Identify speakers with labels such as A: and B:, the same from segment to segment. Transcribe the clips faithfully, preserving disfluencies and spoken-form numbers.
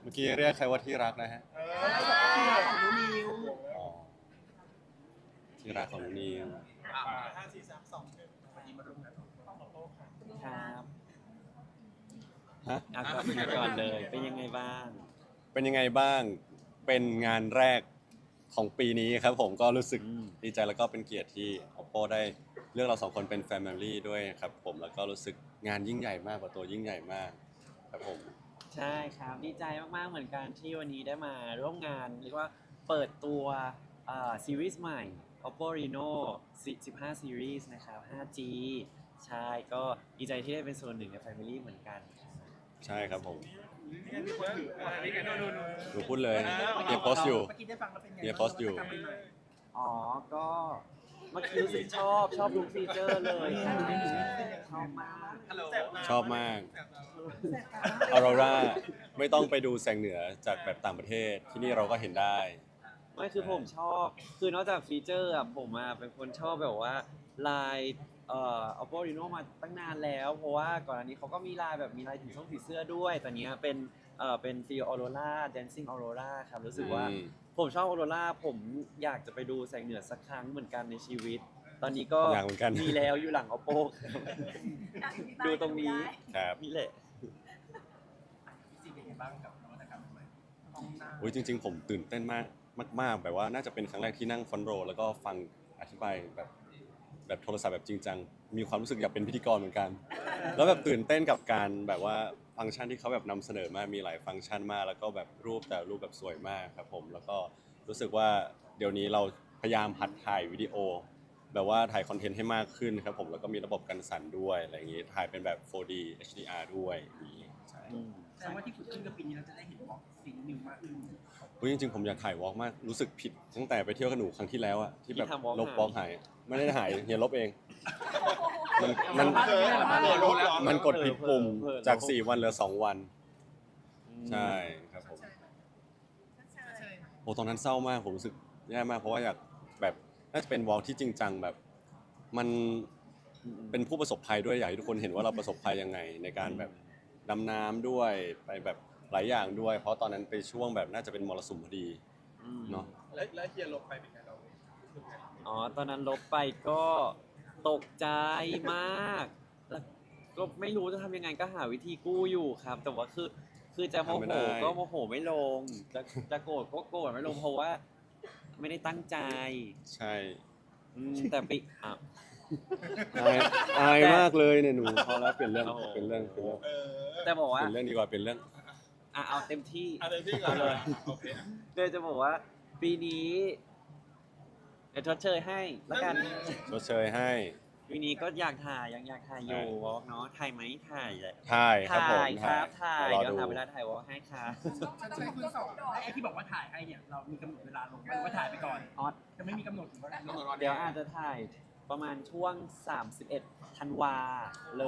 A: มื่อกี้เรียกใครว่าที่รักนะฮะ
B: ที่เราของนูนิว
A: อ๋อที่รักของนิว
B: ห้าสี่สามสองหนึ่งวันนี้มาร่วมงานของโต้ค่ะ
C: ครับ
A: ฮะ
C: เอาก่อนเอาก่อนเลย เป็นยังไงบ้าง
A: เป็นยังไงบ้าง เป็นงานแรกของปีนี้ครับผมก็รู้สึก
C: อืม
A: ดีใจแล้วก็เป็นเกียรติที่ Oppo ได้เลือกเราสองคนเป็น Family ด้วยครับผมแล้วก็รู้สึกงานยิ่งใหญ่มากกว่าตัวยิ่งใหญ่มากครับผม
C: ใช่ครับ ดีใจมาก ๆ เหมือนกันที่วันนี้ได้มาร่วมงาน เรียกว่าเปิดตัวอ่าซีรีส์ใหม่ Oppo Reno สิบห้า Series นะครับ ห้าจี ใช่ ก็ดีใจที่ได้เป็นส่วนหนึ่งใน Family เหมือนกัน
A: ใช่ครับผม
B: นี่ไงมีคนถืออะไรนี่ไงนู่นนู่น
A: หนูพูดเลยเฮียโพสต์อยู่
B: เมื่อกี้ได้ฟังแล้วเป็นไง
A: เฮียโพสต์อยู่
C: อ๋อ ก็เมื่อกี้รู้สึกชอบชอบทุกฟีเจอร์เลยครับชอบมาก
A: ชอบมากออโรราไม่ต้องไปดูแสงเหนือจากแบบต่างประเทศที่นี่เราก็เห็นได้
C: ไม่คือผมชอบ คือนอกจากฟีเจอร์อะผมอะเป็นคนชอบแบบว่าลายเอ่อ Oppo Reno มาตั้งนานแล้ว เพราะว่าก่อนอันนี้เขาก็มีลายแบบมีลายถึงช่องผีเสื้อด้วยตอนนี้เป็นเอ่อเป็นฟีลออโรรา Dancing Aurora ครับรู้สึกว่า
A: อืม
C: ผมชอบออโรราผมอยากจะไปดูแสงเหนือสักครั้งเหมือนกันในชีวิต ตอนนี้ก็
A: อยากเหมือนกัน
C: มีแล้วอยู่หลัง Oppo ครับดูตรงนี้
A: ครับ
C: นี่แหละ
B: สิ่งเป็นไงบ้างกับนวัตกรรมใหม่ห้องหน้า
A: อุ้ยจริงๆ ผมตื่นเต้นมากมากๆแบบว่าน่าจะเป็นครั้งแรกที่นั่งฟรอนต์โรว์แล้วก็ฟังอธิบายแบบแบบโทรศัพท์แบบจริงจังมีความรู้สึกอยากเป็นพิธีกรเหมือนกัน แล้วแบบตื่นเต้นกับการแบบว่าฟังก์ชันที่เขาแบบนำเสนอมามีหลายฟังก์ชันมากแล้วก็แบบรูปแต่รูปแบบสวยมากครับผมแล้วก็รู้สึกว่าเดี๋ยวนี้เราพยายามหัดถ่ายวิดีโอ แบบว่าถ่ายคอนเทนต์ให้มากขึ้นครับผมแล้วก็มีระบบกันสั่นด้วยอะไรอย่างงี้ถ่ายเป็นแบบ โฟร์ ดี เอช ดี อาร์ ด้วยอย่างงี้ใช่
B: แสดงว่าที่ฝึกขึ้นกับปีนี้เราจะได้เห็นบล็อกสิ่งนิวมากขึ้น
A: อุ๊ยจริงๆผมอยากถ่ายวอล์กมากรู้สึกผิดตั้งแต่ไปเที่ยวกับหนูครั้งที่แล้วอะที่แบบ
C: ที่ทำ walk
A: ลบวอล์กหายไม่ได้หายเฮียลบเอง มันมัน
B: เออเออรู้แล้ว
A: มันกดผิดปุ่ม
C: เผลอๆ
A: จากสี่วันเหลือสองวัน
C: อืม
A: ใช่ครับผมโอ้ตอนนั้นเศร้ามากผมรู้สึกแย่มากเพราะว่าอยากแบบน่าจะเป็นวอล์กที่จริงจังแบบ มันเป็นผู้ประสบภัยด้วยอยากให้ทุกคนเห็นว่าเราประสบภัยยังไง ในการแบบดำน้ำด้วยไปแบบหลายอย่างด้วย เพราะตอนนั้นไปช่วงแบบน่าจะเป็นมรสุมพอดี
C: อืม
A: เนาะ
B: แล้วแล้วเฮียลบไปเป็นไงเรา
C: อ๋อ ตอนนั้นลบไปก็ตกใจมากแล้วก็ไม่รู้จะทำยังไงก็หาวิธีกู้อยู่ครับ แต่ว่าคือคือจะโม
A: ทำไม่
C: โห
A: ได้
C: ก็โมโหไม่ลง จะจะโกรธก็โกรธไม่ลงเพราะว่าไม่ได้ตั้งใจ
A: ใช่
C: อืมแต่ปิอ่ะ
A: อายอายมากเลยเนี่ยหนูพอแล้วเปลี่ยนเรื่อง
C: โอ้โห
A: เปลี่ยนเรื่องเปลี่ยนเรื่อง
B: เออ
C: แต่บอก
A: เป
C: ว่า
A: ลี่ยนเรื่องดีกว่าเปลี่ยนเรื่อง
C: อ่ะเอาเต็มที่
B: อะไรพี่ก่อนเลยโอเค
C: เลยจะบอกว่า ปีนี้เดี๋ยวทดเชยให้แล้วกัน
A: ชดเชยให้
C: ปีนี้ก็อยากถ่ายยังอยากถ่ายอยู่วอล์กเนาะถ่ายไหมถ่ายแหละ
A: ถ่ายครับผม
C: ถ่ายครับถ่าย
A: รอ
C: เดี๋ยว
A: ดู
C: หาเวลาถ่ายวอล์กให้ครับ
B: ใช่คุณสองไอ้ที่บอกว่าถ่ายให้เนี่ยเรามีกำหนดเวลาลงหรือว่าถ่ายไปก่อน
C: ออส
B: จะไม่มีกำหนดถึงว่าลง
C: เดี๋ยวอาจจะถ่ายประมาณช่วง สามสิบเอ็ด ธันวาเลย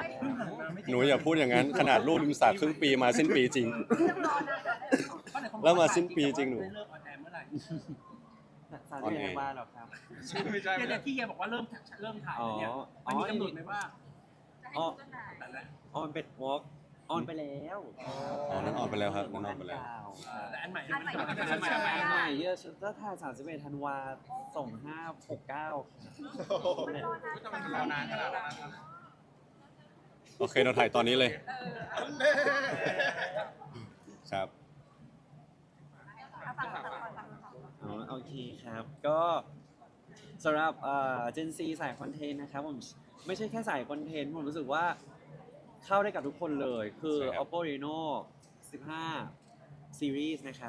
B: เพิ่งผ่านมาไม่
A: หนูอย่าพูดอย่างนั้น ขนาดลูกริมสระครึ่งปีมาสิ้นปีจริง แล้วมาสิ้นปีจริงหนู
B: ได้เลิกออนแอร์เมื่อไหร่
C: สามสิบเอ็ดธันวาหรอครับ
B: ไม่ใช่เนี่ยที่เฮียบอกว่าเริ่มเริ่มถ่ายแล้วเนี่ย
C: อ๋อ
B: มันมีกำหนดไหมว่า
C: อ๋อ
B: แต่ละ
C: ออนเป็นวอล์กออนไปแล้ว
A: อ๋อนั่นออนไปแล้วครับนั่นออนไปแล้ว
B: แต่อันใหม่
D: อันใหม่
B: อันใหม่
C: อั
B: อันใหม่
C: นใหม่เยอะถ้าถ่ายสามสิบเอ็ดธันวาสองห้าหกเก้า
B: รอนานขนาดนั้น
A: โอเคเราถ่ายตอนนี้เลย ครับ
C: อ๋อโอเคครับ ก็สำหรับเอ่อเจนซีสายคอนเทนต์นะครับผมไม่ใช่แค่สายคอนเทนต์ผมรู้สึกว่าเข้าได้กับทุกคนเลย คือ
A: ใช่ครับ
C: Oppo Reno สิบห้า Series นะครับ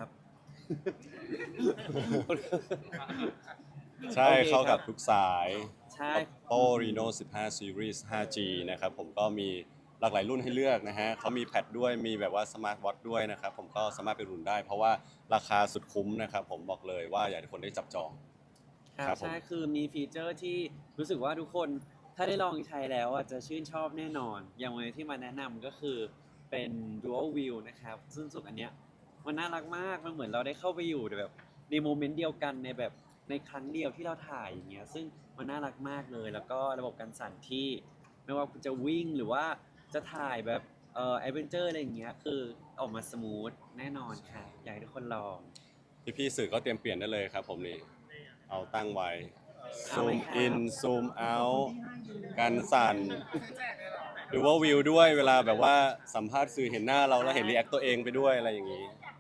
A: ใช่
C: โอเค
A: เข้ากับ
C: ครับ
A: ทุกสาย
C: ใช่
A: Oppo Reno สิบห้า Series ไฟว์จี นะครับผมก็มีหลากหลายรุ่นให้เลือกนะฮะเขามีแพดด้วยมีแบบว่าสมาร์ทวอทด้วยนะครับผมก็สามารถไปรุ่นได้ เพราะว่าราคาสุดคุ้มนะครับผมบอกเลยว่าอยากให้ทุกคนได้จับจอง
C: ครั
A: ครับ บผม
C: ใช่คือมีฟีเจอร์ที่รู้สึกว่าทุกคนถ้าได้ลองใช้แล้วอ่ะจะชื่นชอบแน่นอน อย่างวันนี้ที่มาแนะนำก็คือเป็น dual view นะครับซึ่งสุดอันเนี้ยมันน่ารักมากมันเหมือนเราได้เข้าไปอยู่ในแบบในโมเมนต์เดียวกันในแบบในครั้งเดียวที่เราถ่ายอย่างเงี้ยซึ่งมันน่ารักมากเลย แล้วก็ระบบการสั่นที่ไม่ว่าคุณจะวิ่งหรือว่าจะถ่ายแบบเอ่อแอดเวนเจอร์อะไรอย่างเงี้ยคือออกมาสมูทแน่นอนครับอยากให้ทุกคนลอง
A: พี่ๆสื่อก็เตรียมเปลี่ยนได้เลยครับผมนี่เอาตั้งไว้
C: เอา
A: ซู
C: เล
A: ม
C: ยครับ
A: อินซูมเอาการสั่นหรือว่าวิวด้วยเวลาแบบว่าสัมภาษณ์สื่อเห็นหน้าเราแล้วเห็นรีแอคตัวเองไปด้วยอะไรอย่างนี้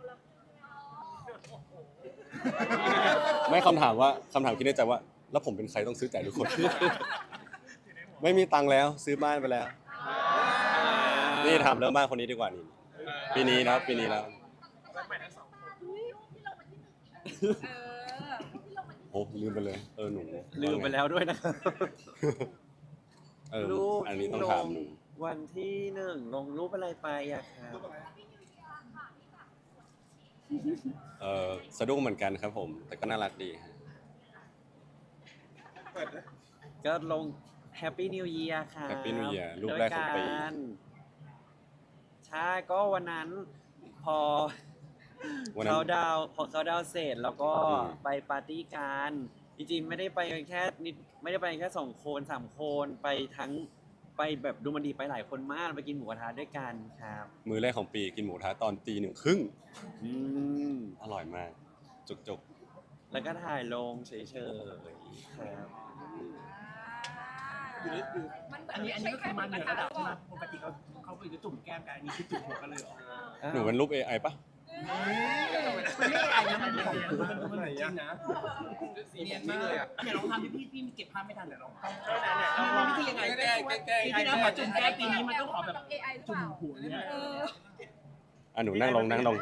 A: ไม่คำถามว่าคำถามคิดในใจว่า แล้วผมเป็นใครต้องซื้อจ่ายทุกคน ไม่มีตังค์แล้วซื้อบ้านไปแล้ว นี่ถามเรื่องบ้านคนนี้ดีกว่านี่ปีนี้นะปีนี้แล้ว โอ้ลืมไปเลยเออหนู
C: ลืมไปแล้วด้วยนะครับ
A: เออ
C: รูป
A: อันนี้ต้อง
C: ที่ล
A: ถามหนู
C: วันที่หนึ่งลงรูปอะไรไปอะครับ
A: เออสะดุ้งเหมือนกันครับผม แต่ก็น่ารักดีฮะ
C: ก็ลง Happy New Year ครับ
A: Happy New Year รูปแรกของปี
C: โดยารใช่ก็วันนั้นพอ
A: วันนั้น
C: เขาดาวน์พอเขาดาวน์เสร็จแล้วก็
A: อืม
C: ไปปาร์ตี้กันจริงๆไม่ได้ไปกันแค่นิดไม่ได้ไปกันแค่สองคนสามคนไปทั้งไปแบบดูมันดีไปหลายคนมากไปกินหมูกระทะด้วยกันครับ
A: มือแรกของปีกินหมูกระทะตอนตีหนึ่งครึ่ง
C: อืม
A: อร่อยมาก จุกจุก
C: แล้วก็ถ่ายลงเฉยๆครับ
B: อันนี้อันนี้ก็คือมาเหนือระดับใช่ไหมปกติเขาเขาไปจุ่มแก้มกันอันนี้คือจุ่มหัวกันเลยเหรอ
A: หนูเป็นรูป เอ ไอ ปะ
B: มันไม่ไอ้นะมันของมันมันจริงนะเนียนมากเลยอ่ะเดี๋ยวลองทำพี่พี่เก็บภาพไม่ทันเดี๋ยวลองลองวิธียังไงแก้แก้แก้ปีที่แล้วขอจุ่มแก้ปีนี้มันต้องขอแบบจุ่มหัวเนี่ย
A: อ่ะหนูนั่งลงนั่งลง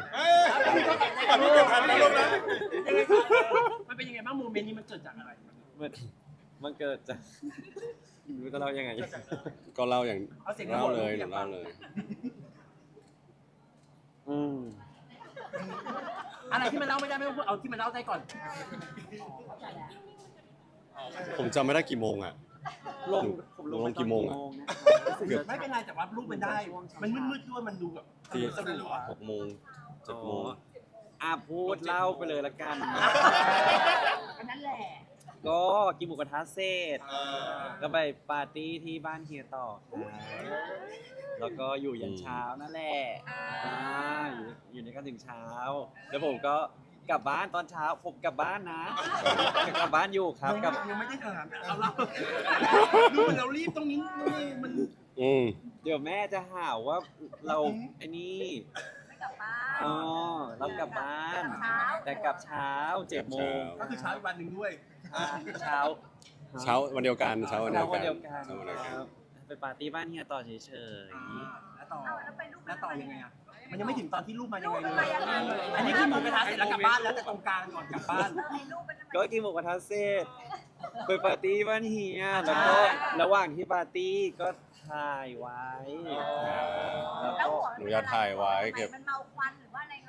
B: มันเป็นยังไงบ้างโมเมนต์นี้มันเกิดจากอะไร
C: มันมันเกิดจากไม่รู้จะเล่ายังไง
A: ก็เล่าอย่าง
B: เอาเสียง
A: เล่าเลยห
B: อ
A: นู
B: ยากฟั
A: เล่าง เลย
C: อืม
B: อะไรที่มันเล่าไม่ได้ไม่ต้องพูดเอาที่มันเล่าได้ก่อน
A: ผมจำไม่ได้กี่โมงอ่ะ
C: ลง
A: หนู
C: ผมลง
A: ลง
C: ไป
A: กี่โมงอะ
C: ตอนนะครับ
A: เกือบ
B: ไม่เป็นไรแต่ว่ารูปมันได้ มันมืดๆด้วยมันดูแบบ
A: ตี
B: สนุกอ่ะ
A: หกโมงเจ็ดโมง
C: อ่ะพูดเล่าไปเลยละกัน
D: นั่นแหละ
C: ก็กินหมูกระทะเสร็จก็ไปปาร์ตี้ที่บ้านเฮียต่อครับแล้วก็อยู่ยันเช้านั่นแหละอ่าอยู่อยู่ในกันถึงเช้า แล้วผมก็กลับบ้านตอนเช้าผมกลับบ้านนะกลับบ้านอยู่ครับกลับ
B: ยังไม่ได้ถามเอาเราดูเรารีบตรงนี้นี่มัน
A: อืม
C: เดี๋ยวแม่จะหาว่าเราไอ้นี่
D: ไม่กลับบ้าน
C: อ๋อเรากลับบ้าน
D: เช้า
C: แต่กลับเช้าเจ็ดโมง
B: ก็คือเช้าอีกวันหนึ่งด้วย
C: อ่าเช้า
A: เช้าวันเดียวกันเช้าวันเดี
C: เช้า
A: ยว
C: วั
A: กัน น
C: เดียวกัน
A: เช้าวันเดียว
C: ค
A: กัน
C: รับไปปาร์ตี้บ้านเฮียต่อเฉย
B: แล้วต่อ
D: เอาแล้วไปรูป
B: แล้วต่อยังไงอ่ะมันยังไม่ถึงตอนที่รูปมายังไงเล
D: รูปมัน
B: ย
D: มายังไง
B: อันนี้คือหมูกระทะเสร็จแล้วกลับบ้านแล้วแต่ตรงกลางก่อนกลับบ้าน
D: เออไอ้รูปมัน
C: ๆก็กินหมูกระทะเสร็จไปปาร์ตี้บ้านเฮียแล้วก็ระหว่างที่ปาร์ตี้ก็ถ่ายไว้แล้ว
D: แล้ว
C: ก็
D: หัว
A: หนูจะถ่ายไว้เก็บ
D: มันเมาควันหรือว่าอะไรมัน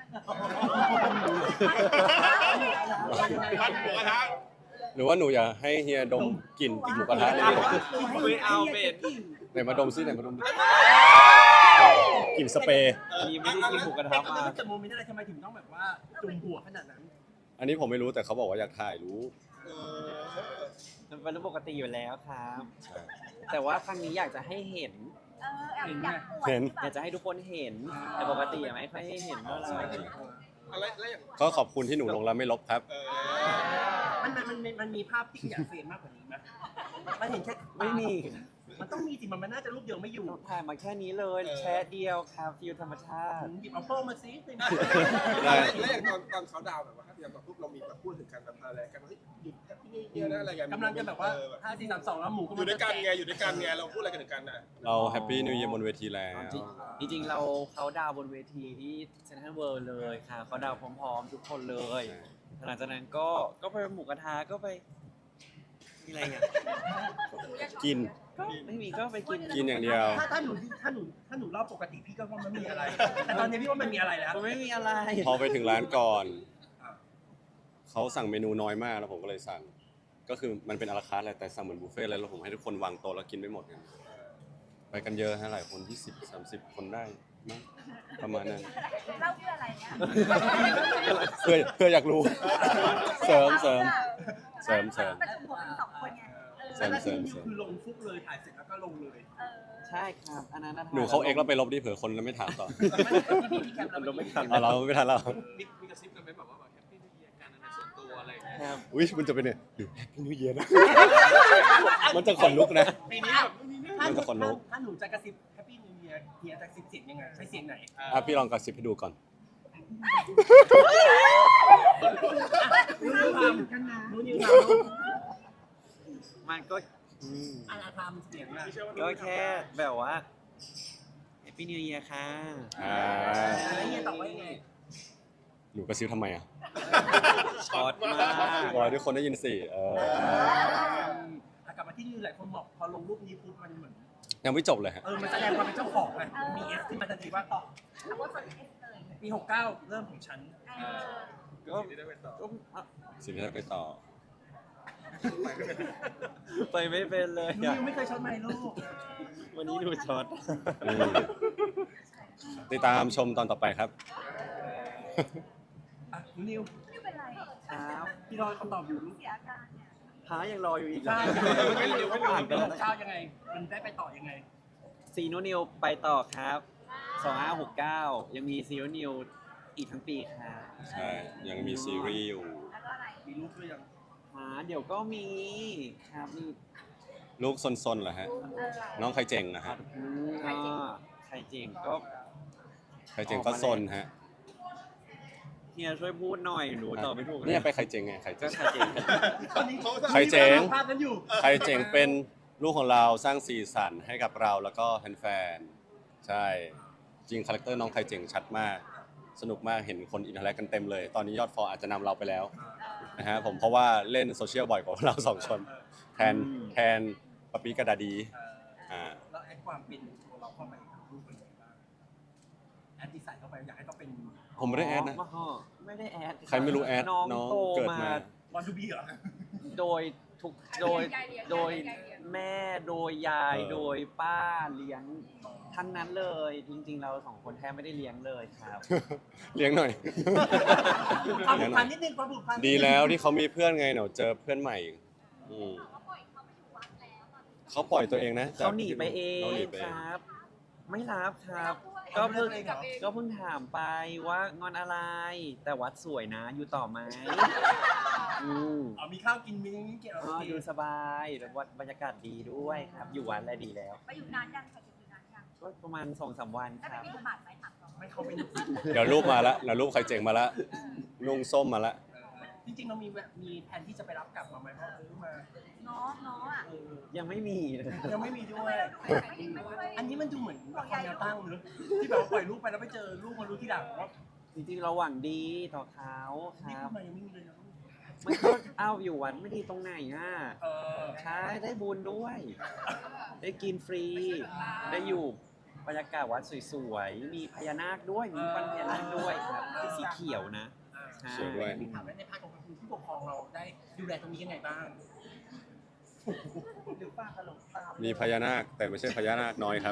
A: หรือว่าหนูอยากให้เฮียดมกลิ่นหมูกระทะเลยดีกว่า
C: ไม่เอาเป็น
A: ไหนมาดมซิไหนมาดมดิกลิ่นสเปรย์
C: อันนี้ไม่ได้กินหมูกระทะมา
B: แต่โมเมนต์อะไรทำไมถึงต้องแบบว่าจุ่มหัวขนาดนั้น
A: อันนี้ผมไม่รู้แต่เขาบอกว่าอยากถ่ายรู้
C: มันเป็นเรื่องปกติอยู่แล้วครับ
A: ใช่
C: แต่ว่าครั้งนี้อยากจะให้เห็น
D: เออแอบอยากปวด
A: เห็น
C: อยากจะให้ทุกคนเห็น แต่ปกติอะไม่ค่อยให้เห็นเท่าไหร่
A: ก็ขอบคุณที่หนูลงแล้วไม่ลบครับ
B: มันมันมันมันมีภาพที่อยากเฟรมมากกว่านี้ไหมมันเห็นแค่
C: ไม่มี
B: มันต้องมีสิมันมันน่าจะรูปเดียวไม่อยู่
C: ถ่ายมาแค่นี้เลยแชร์เดียวครับฟิลธรรมชาติ
B: หยิบเอาโป้มาซิ
A: ได้
E: แล้วอย่างตอนตอนเขาดาวน์แบบว่าอย่างตอนปุ๊บเรามีแบบพูดถึงกันแบบอะไรกันว่าเฮ้ยหยุดแฮปปี้นิวเยียร์นะอะไรกัน
B: กำลังจะแบบว่า
E: เออ
B: ห้าสี่สามสองแล้วหมูก็
E: อยู่ด้วยกันไงอยู่ด้วยกันไงเราพูดอะไรกันถึงกันน่ะ
A: เราแฮปปี้นิวเยียร์บนเวทีแล้ว
C: จริงๆเราเขาดาวน์บนเวทีที่เซนทรัลเวิลด์เลยค่ะเขาดาวน์พร้อมๆ ทุกคนเลยหลังจากนั้นก็ก็ไปหมูกระทะก็ไปมีอะไรอ่ะ
A: กิน
C: ก็ไม่มีก็ไปกิน
A: กินอย่างเดียว
B: ถ้าถ้าหนูถ้าหนูถ้าหนูเล่าปกติพี่ก็ว่ามันไม่มีอะไร แต่ตอนนี้พี่ว่ามันมีอะไรแล้ว
C: มันไม่มีอะไร
A: พอไปถึงร้านก่อน เขาสั่งเมนูน้อยมากแล้วผมก็เลยสั่ง ก็คือมันเป็นอาราคาร์ทแหละแต่สั่งเหมือนบุฟเฟ่ต์เลยแล้วผมให้ทุกคนวางโต๊ะแล้วกินไม่หมดกันไปกันเยอะฮะหลายคนยี่สิบสามสิบคนได้มั้งประมาณนั้น
D: เล่าเพื่ออะไรเนี่ย
A: เพื่อเพื่ออยากรู้ เสริมเสริม เสริมเสริม
D: ประชุมหัวกันสองคนไงเออ
A: เสริม
B: แล้วที่นี่คือลงฟุกเลยถ่ายเสร็จแล้วก็ลงเลย
D: เออ
C: ใช่ช่ครับอันนั้นนะ
A: หนูเขาเอ็กซ์แล้วไปลบดิเผื่อคนแล้วไม่ถามต่อ
B: พี่พี่แคปเราไม่ทัน
A: เอาเราไม่ทันเรา
E: มีมีกระซิบกันไหมแบบว่าแบบแฮปปี้นิวเยียร์กันในส่วนตัวอะไรอย่างเงี้ย
C: ครับ
A: อุ้ยมันจะเป็นเนี่ยอยู่แฮปปี้นิวเยียร์นะ มันจะขนลุกนะ
B: ปีนี้แบบถ้า
A: มันจะขนลุก
B: ถ้าหนูจะกระซิบแฮปปี้นิวเยียร์เฮียจะกระซิบเสียงยังไงใช้เสียงไหน
A: อ่ะพี่ลองกระซิบให้ดูก่อน
B: รู้นิวทำรู้นิวท
C: มันก็อืม
B: ำอาทำเสียงนะ
C: ก็แค่แบบว่า Happy New Year ค่ะ
A: อ่า
B: แล้วเฮียตอบว่ายังไง
A: หนูกระซิบทำไมอ่ะ
C: ช็อตมาก
A: รอให้ทุกคนได้ยินสิเออ
B: อ่ะกลับมาที่นิวหลายคนบอกพอลงรูปนี้ปุ๊บมันเหมือน
A: ยังไม่จบเลยฮะ
B: เออมันแสดงความเป็นเจ้าของไงมีเอฟที่มันทันทีว่าต่อ
D: เอาว่าคนเอสเลย
B: ปีหกเก้าเริ่มของฉัน
D: เออ
C: ก็
E: ที่ได้ไปต่อ
C: ก็อ่ะ
A: สิ่งที่จะไปต่อ
C: ไปไม่เป็นเลย
B: นิ
C: อ่ะ
B: วไม่เคยช็อตไมค์ลูก
C: วันนี้ดูช็อต
A: อืมติดตามชมตอนต่อไปครับ
B: อ่ะนิว
D: ไม่เป็นไร
C: ครับ
B: พี่รอคำตอบอยู่ลูก
D: เสียอาการเนี่ย
C: หายังรออยู่อีกเหรอ
B: ใช่
C: เมื่อกี้นิวก็ผ่านไป
B: ปี
C: แล้ว
B: หกเก้ายังไง มันได้ไปต่อยังไง
C: ซีโนนิวไปต่อครับสองห้าหกเก้ายังมีซีโนนิวอีกทั้งปีครับ
A: ใช่ ยังมีซีรีส์อยู่
D: แล้วก็อะไร
B: มีลูกด้วยยัง
C: หาเดี๋ยวก็มีครับมี
A: ลูกซนๆเหรอฮะ
D: เออ
A: น้องใครเจ๋งนะฮะ
C: อืมก็ใครจริงก็
A: ใครเจ๋งก็ซนฮะ
C: เฮียช่วยพูดหน่อยหนูตอบไม่ถูกล
A: เนี่ยไปใครเจ๋งไงใคร
C: ก็
A: เจ๋ง
C: ใครจริง
E: ตอนนี้เขา
A: ใครเจ๋ง
B: ภาพนั้นอยู่
A: ใครเจ๋งเป็นลูกของเราสร้างสีสันให้กับเราแล้วก็แฟนๆใช่ จริงคาแรคเตอร์น้องใครเจ๋งชัดมาก สนุกมากเห็นคนอินเทอร์แอคกันเต็มเลย ตอนนี้ยอดฟอลอาจจะนำเราไปแล้วนะฮะผมเพราะว่าเล่นโซเชียลบ่อยกว่าเราสองคน แทนแทนปะปีกระดาดีอ่า
B: แล้วแอดความเป็นตัวเราเข้าไปกับรูปเป็นยังไงบ้างแอดดีไซน์เข้าไปอยากให้เขาเป็น
A: ผมไม่ได้แอดนะ
C: อ๋อไม่ได้แอด
A: ใครไม่รู้แอด
C: น้อง
A: น้อง
C: โต
A: เกิด
C: มา
A: มา
B: วันทูบีเหรอ
C: โดยทุกโดยโดยแม่โดยยาย
A: เออ
C: โดยป้าเลี้ยงทั้งนั้นเลย จริง ๆ เราสองคนแทบไม่ได้เลี้ยงเลยครับ
A: เลี้ยงหน่อย
B: ความผูกพันนิดนึงความผูกพัน
A: ดีแล้วที่เขามีเพื่อนไงเดี๋ยวเจอเพื่อนใหม่อืม
D: เขาปล่อยเขาไปอยู่วัดแล้วตอนนี้
A: เขาปล่อยตัวเองนะ
C: เขาหนีไปเอ
A: เขา
C: ง
A: หนีไป
C: ค
A: เอง
C: รับ ไม่รับครับ
B: ก็
C: ก็
B: เพิ่
C: เพิ่
B: ง
C: งก็เพิ่งถามไปว่างอนอะไร แต่วัดสวยนะ อยู่ต่อไหมอืม
B: อ๋อมีข้าวกินมีนี่เกี่ยว
C: อ๋อดูสบายแล้ววัดบรรยากาศดีด้วยครับ อยู่วัดอะไรดีแล้ว
D: ไปอยู่นานยังใครจะอยู่นานยัง
C: ก็ประมาณสองสามวัน
D: ได้
C: ค
D: ไป
C: รับ
D: บิณฑบาตไหมถามก่อน
B: ไม่เข้าไป
A: เดี๋ยวรูปมาละเดี๋ยวรูปใครเจ๋งมาละนุ่งส้มมาละ
B: จริงๆเรามีแบบมีแผนที่จะไปรับกลับมาไหมเพราะเออมา
D: เนาะเนาะอ่ะ
B: เออ
C: ยังไม่มีเลย
B: ยังไม่มีด้
D: ทำ
B: ว
D: ไม
B: ย
D: เราดูไม่ได้ไม่ได้
B: อันนี้มันดูเหมือนละครแนวตั้งเนอะที่แบบว่าปล่อยลูกไปแล้วไม่เจอลูกมารู้ทีหลังว่า
C: จริงๆเราหวังดีต่อเขาค
B: นี่
C: รับ
B: ทำไมยังไม่มีเลยนะ
C: มันก็เอาอยู่วัดไม่ดีตรงไหนอ่ะ
B: เออ
C: ใช่ได้บุญด้วย ได้กินฟรี ได้อยู่บรรยากาศวัดสวยๆ มีพญานาคด้วย มีปันพญานาคด้วยครับที่สีเขียวนะใช่
A: สวยด้วย
B: ถามว่าในภาคของคุณผู้ปกครองเราได้ดูแลตรงนี้ยังไงบ้างหรือป้าขนมตาม
A: มีพญานาคแต่ไม่ใช่พญานาคน้อยครับ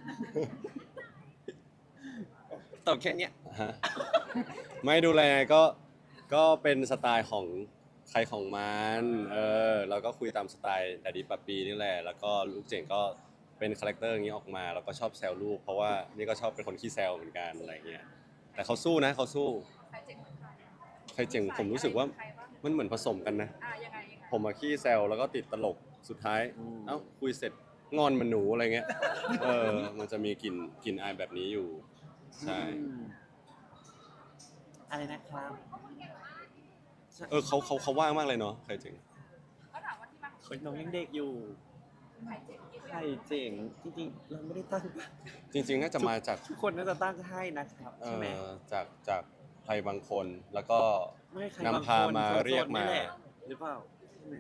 C: ตอบแค่เนี้ย
A: ฮะไม่ดูแลก็ก็เป็นสไตล์ของใครของมันเออเราก็คุยตามสไตล์แต่ดีปะปีนี่แหละแล้วก็ลูกเจ๋งก็เป็นคาแรคเตอร์อย่างนี้ออกมาแล้วก็ชอบแซวลูกเพราะว่านี่ก็ชอบเป็นคนขี้แซวเหมือนกันอะไรเงี้ยแต่เขาสู้นะเขาสู้
D: ใครเจ๋งเหมือนใคร
A: ใครเจ๋งผมรู้สึกว่า
D: ใครบ้าง
A: มันเหมือนผสมกันนะ
D: อ่ะยังไงยังไง
A: ผมมาขี้แซวแล้วก็ติดตลกสุดท้าย
C: อืม
A: เอ้าคุยเสร็จงอนเหมันหนูอะไรเงี้ยเออมันจะมีกลิ่นกลิ่นอายแบบนี้อยู่ใช่
C: อืมอะไรนะครับ
A: เออเขาเขาเขาว่างมากเลยเนาะใครเจ๋ง
D: เขาถามว่าที่มาของ
C: เฮ้ยน้องยังเด็กอยู่
D: ใครเจ๋งกี่
C: ใครเจ๋ง จริงๆ เราไม่ได้ตั้ง
A: จริงๆน่าจะมาจาก
C: ทุกคนน่าจะตั้งให้นะครับ
A: เอ
C: ใช่ไหม
A: อจากจากใครบางคนแล้วก็
C: ไม่ใคร
A: นำ
C: บาง
A: พา
C: คน
A: มา
C: โซนๆ
A: เรียกมา
C: นี่แหละหรือเปล่าใช่ไหม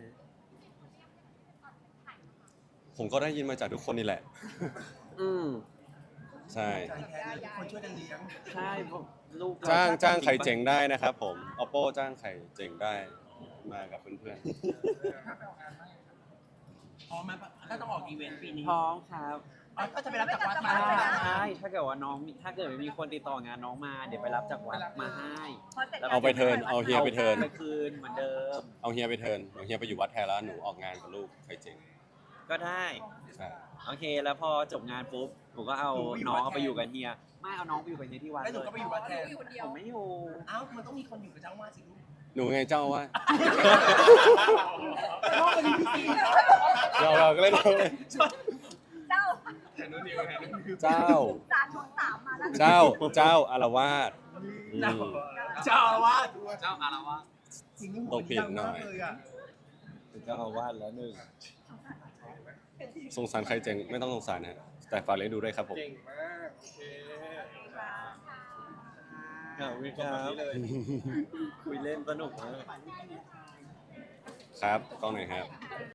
A: ผมก็ได้ยินมาจากทุกคนนี่แหละ
C: อืม
A: ใช่
B: ใจแทนเลยทุกคนช่วยกันเลี้ยง
C: ใช่ผมลูกเร
A: จ้าง
C: ชอบ
A: จ้างใคร
C: ปะ
A: เจ๋งได้นะครับผม oppo จ้างใครเจ๋งได้มากับเพื่อน
B: พร้อมไหมถ้าต้องออกอีเวนต์ปีนี้
C: พร้อมครับ
B: อ๋อก็จะไปรับจากวัดมา
C: ใช่ใช่ถ้าเกิดว่าน้องมีถ้าเกิดมีคนติดต่องานน้องมา เดี๋ยวไปรับจากวัดมาให้
A: ๆเอาไปเทิร์นเอาเฮียไปเทิร์น
C: ไปคืนเหมือนเดิม
A: เอาเฮียไปเทิร์นเอาเฮียไปอยู่วัดแทนแล้วหนูออกงานกับลูกใครเจ๋ง
C: ก็ได้
A: ใช่
C: โอเค แล้วพอจบงานปุ๊บผมก็เอาน้องเอาไปอยู่กับเฮียไม่เอาน้องไปอยู่กับเฮียที่วัด
B: แล้วห
C: เล
B: นู
C: ย
B: ก็ไปอยู่วัดแทน
D: อยู่คนเดีย
C: ผ
D: ว
C: มไม่อยู่
B: อ้าวมันต้องมีคนอยู่กับเจ้าว่าสิลูก
A: หนูไงเจ้าว่า
B: พ่อเป็นพี่ซี
A: เราเราก็เล่นเราเลย
D: เจ้า
A: เจ้า
D: สารของสามมาแล้ว
A: เจ้าเจ้าอารวาสอืม
B: เจ้าอาวาส
C: เจ้าอารวาส
B: สิ่งที่
A: ต้องเปลี่ยนหน่อย
B: เลยอ่ะ
C: เป็นเจ้าอาวาสแล้วหนึ่ง
A: สงสารใครเจ๋งไม่ต้องสงสารนะแต่ฝากเลี้ยงดูด้วยครับผม
E: เก่งมากโอเค
C: ขอบคุณ
E: จ
C: ค
E: บ
C: รั
E: แบบ
C: บ
E: นี้เลย
C: คุยเล่นสนุกมาก
A: ครับกล้องไหนอยครับ